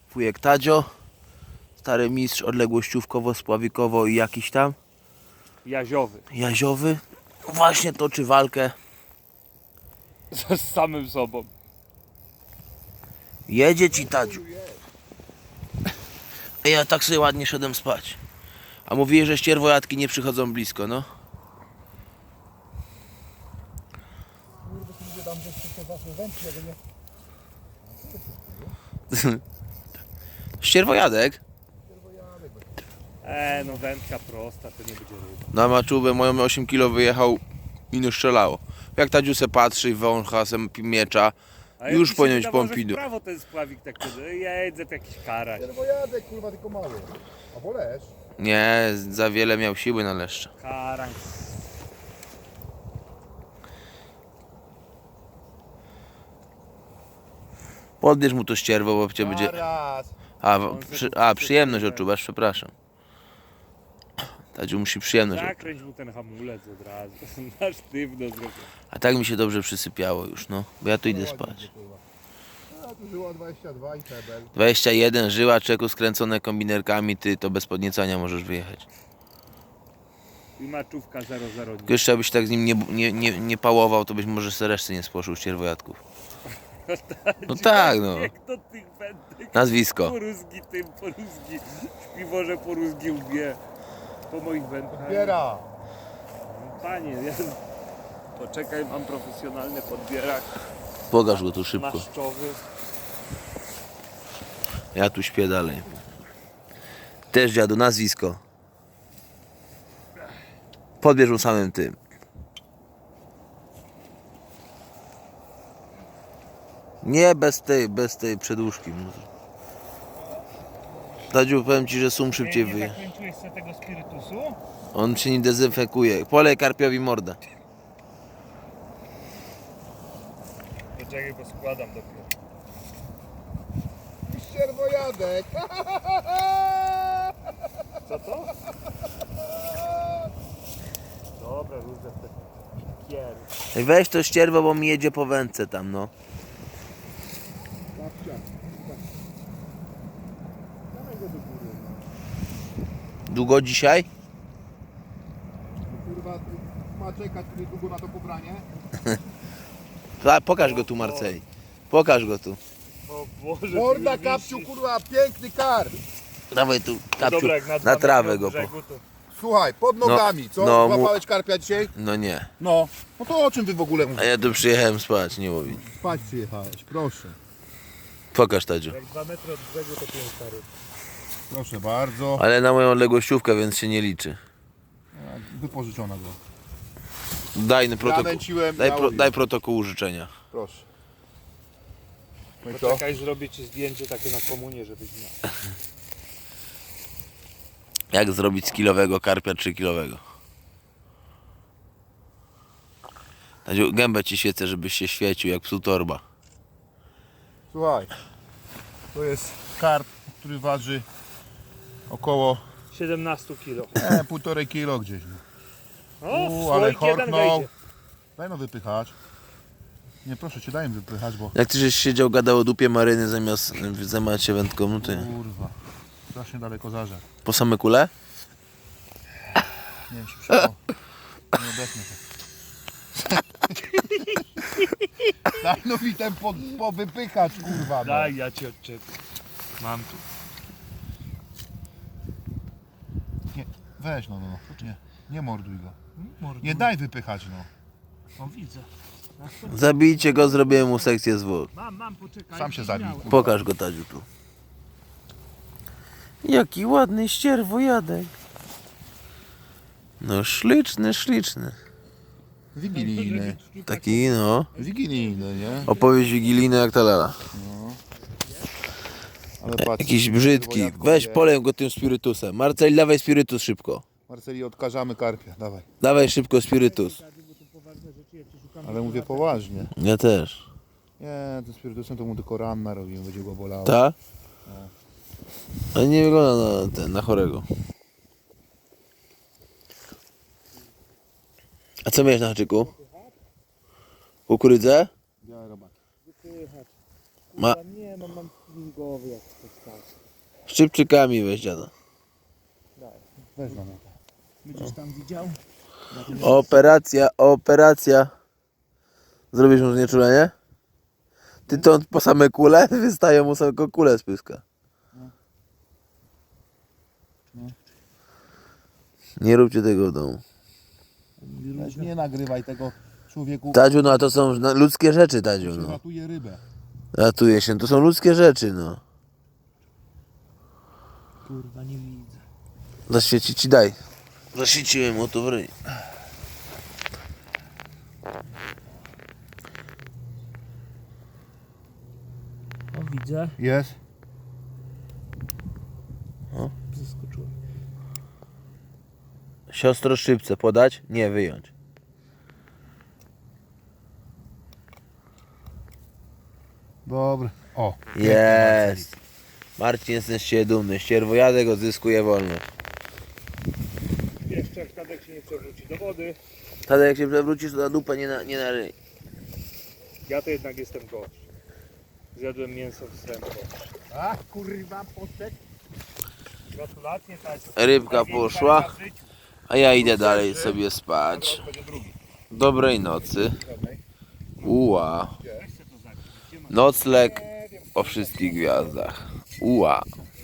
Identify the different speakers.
Speaker 1: Wujek Tadzio, stary mistrz odległościówkowo-spławikowo i jakiś tam Jaziowy. Właśnie toczy walkę.
Speaker 2: Z samym sobą.
Speaker 1: Jedzie ci, Tadziu. Ja tak sobie ładnie szedłem spać. A mówili, że ścierwojadki nie przychodzą blisko, no. Ścierwojadek?
Speaker 2: No wędka prosta, to nie będzie ryba.
Speaker 1: Na maczubę moją 8 kg wyjechał i nie strzelało. Jak Tadziu se patrzy, wącha se miecza,
Speaker 2: A
Speaker 1: już
Speaker 2: jak mi się
Speaker 1: powinien być
Speaker 2: wydawało, że w
Speaker 1: pompidu.
Speaker 2: prawo ten spławik tak jedzie, to jakiś karaś.
Speaker 3: Ścierwojadek, kurwa, tylko mały. Albo lesz.
Speaker 1: Nie, za wiele miał siły na leszcze.
Speaker 2: Karaś.
Speaker 1: Podbierz mu to ścierwo, bo cię będzie...
Speaker 3: Raz.
Speaker 1: Przyjemność odczuwasz, przepraszam. Tadziu musi przyjemność odczuwać.
Speaker 2: Zakręć mu ten hamulec od razu. Na sztywno zrobię.
Speaker 1: A tak mi się dobrze przysypiało już, no. Bo ja tu idę spać.
Speaker 3: A tu żyła 22 i hebel.
Speaker 1: 21 żyła, czeku skręcone kombinerkami, ty to bez podniecania możesz wyjechać.
Speaker 2: I maczówka 0,0.
Speaker 1: Tylko jeszcze abyś tak z nim nie pałował, to byś może se reszty nie spłoszył ścierwojadków. No tak, no.
Speaker 2: Jak to tych wędek.
Speaker 1: Nazwisko.
Speaker 2: Poruzgi tym, poruzgi. Śpiworze poruzgi łbie. Po moich wędkach.
Speaker 3: Biera.
Speaker 2: Panie, ja... Poczekaj, mam profesjonalny podbierak.
Speaker 1: Pokaż go tu szybko.
Speaker 2: Maszczowy.
Speaker 1: Ja tu śpię dalej. Też dziadu, nazwisko. Podbierz mu samym tym. Nie bez tej przedłużki. Tadziu, powiem ci, że sum szybciej
Speaker 2: Nie
Speaker 1: wyje.
Speaker 2: zakręciłeś sobie tego spirytusu?
Speaker 1: On się nie dezynfekuje. Polej karpiowi mordę.
Speaker 2: Poczekaj, bo składam dopiero.
Speaker 3: Ścierwojadek.
Speaker 2: Co to? Dobra, różne te kiery.
Speaker 1: Weź to ścierwo, bo mi jedzie po wędce tam, no.
Speaker 3: Babcia. Dawaj go do góry.
Speaker 1: Długo dzisiaj?
Speaker 3: Kurwa, ma czekać tutaj długo na to pobranie.
Speaker 1: Pokaż go tu, Marceli. Pokaż go tu.
Speaker 2: O Boże,
Speaker 3: Morda,
Speaker 2: ty
Speaker 3: kapciu,
Speaker 2: wisi.
Speaker 3: kurwa, piękny kar.
Speaker 1: Dawaj tu, kapciu,
Speaker 2: Dobra, jak
Speaker 1: na
Speaker 2: 2
Speaker 1: trawę
Speaker 2: metry
Speaker 1: go.
Speaker 2: od brzegu, to...
Speaker 3: Słuchaj, pod nogami, co?
Speaker 1: no,
Speaker 3: Złapałeś karpia dzisiaj?
Speaker 1: No nie.
Speaker 3: No. No to o czym wy w ogóle
Speaker 1: A
Speaker 3: mówicie?
Speaker 1: ja tu przyjechałem spać, nie mówię.
Speaker 3: Spać przyjechałeś, proszę.
Speaker 1: Pokaż, Tadziu.
Speaker 2: Jak 2 metry od brzegu, to 5 stary.
Speaker 3: Proszę bardzo.
Speaker 1: Ale na moją odległościówkę, więc się nie liczy.
Speaker 3: Wypożyczona go.
Speaker 1: Daj protokół.
Speaker 3: Nęciłem,
Speaker 1: Daj protokół życzenia.
Speaker 3: Proszę. No i co?
Speaker 2: Poczekaj, zrobię ci zdjęcie takie na komunię, żebyś miał.
Speaker 1: Jak zrobić z kilowego karpia 3-kilowego? Tadziu, gębę ci świecę, żebyś się świecił jak psu torba.
Speaker 3: Słuchaj. To jest karp, który waży około
Speaker 2: 17 kilo.
Speaker 3: 1,5 kilo gdzieś. No.
Speaker 2: O,
Speaker 3: Ale
Speaker 2: słoik jeden
Speaker 3: horknął.
Speaker 2: wejdzie.
Speaker 3: Daj no wypychać. Nie, proszę cię, daj im wypychać, bo...
Speaker 1: Jak ty żeś siedział, gadał o dupie maryny zamiast zajmować się wędką, no to nie.
Speaker 3: Kurwa. Strasznie daleko zażar.
Speaker 1: Po same kule?
Speaker 3: Nie wiem, czy przyszło. Nie odetnę to. Daj no mi ten powypychać, kurwa. No.
Speaker 2: Daj, ja ci odczepię. Mam tu.
Speaker 3: Nie, weź no. Nie morduj go.
Speaker 2: Mordu.
Speaker 3: Nie daj wypychać, no.
Speaker 2: O, widzę.
Speaker 1: Zabijcie go, zrobiłem mu sekcję zwłok.
Speaker 2: Mam, poczekaj.
Speaker 3: Sam się zabij.
Speaker 2: Miałem.
Speaker 1: Pokaż go, Tadziu, tu. Jaki ładny ścierwojadek. No śliczny.
Speaker 3: Wigilijny.
Speaker 1: Taki, no.
Speaker 3: Wigilijny, nie?
Speaker 1: Opowieść wigilijna jak ta lala.
Speaker 3: Ale patrz.
Speaker 1: Jakiś brzydki. Weź, polej go tym spirytusem. Marcel, dawaj spirytus szybko.
Speaker 3: Marceli, odkażamy karpia, dawaj.
Speaker 1: Dawaj szybko spirytus.
Speaker 3: Ale mówię poważnie.
Speaker 1: Ja też.
Speaker 3: Nie, tym spirytusem to mu tylko ranna robimy, będzie go bolało.
Speaker 1: Ta? Ale nie wygląda na chorego. A co miałeś na haczyku? Kukurydzę?
Speaker 3: Białe robaki.
Speaker 1: Ma...
Speaker 2: Nie, mam Mózgowy jak to stał.
Speaker 1: Szczypczykami weź dziada.
Speaker 3: Weź na to.
Speaker 2: Będziesz tam widział?
Speaker 1: Operacja. Zrobisz mu znieczulenie? Ty to po same kule? Wystają mu tylko kule z pyska. Nie róbcie tego w domu.
Speaker 3: Weź nie nagrywaj tego człowieku.
Speaker 1: Tadziu, no a to są ludzkie rzeczy, Tadziu, no.
Speaker 3: Ratuje rybę.
Speaker 1: Ratuje się, to są ludzkie rzeczy, no.
Speaker 2: Kurwa, nie widzę.
Speaker 1: Zaświeci ci daj. Zaświeciłem mu to w ryj.
Speaker 2: O, widzę.
Speaker 3: Jest.
Speaker 2: Zaskoczyłem.
Speaker 1: Siostro szybce podać? Nie, wyjąć.
Speaker 3: Dobry. O.
Speaker 1: Jest. Marcin, jesteś się dumny. Ścierwojadek odzyskuje wolność.
Speaker 2: Jeszcze jak Tadek się nie przewróci do wody,
Speaker 1: Tadek, jak się przewrócisz, to na dupę, nie na ryj.
Speaker 2: ja to jednak jestem gość. Zjadłem mięso w sępo.
Speaker 3: A kurwa poszedł.
Speaker 2: Gratulacje, Tasiu.
Speaker 1: Rybka
Speaker 2: Największa
Speaker 1: poszła,
Speaker 2: ryba w życiu.
Speaker 1: a ja idę dalej sobie spać.
Speaker 2: Teraz będzie drugi.
Speaker 1: Dobrej nocy. Uła.
Speaker 2: Weź se to zapisz. Gdzie masz?
Speaker 1: Nocleg o wszystkich gwiazdach. Uła.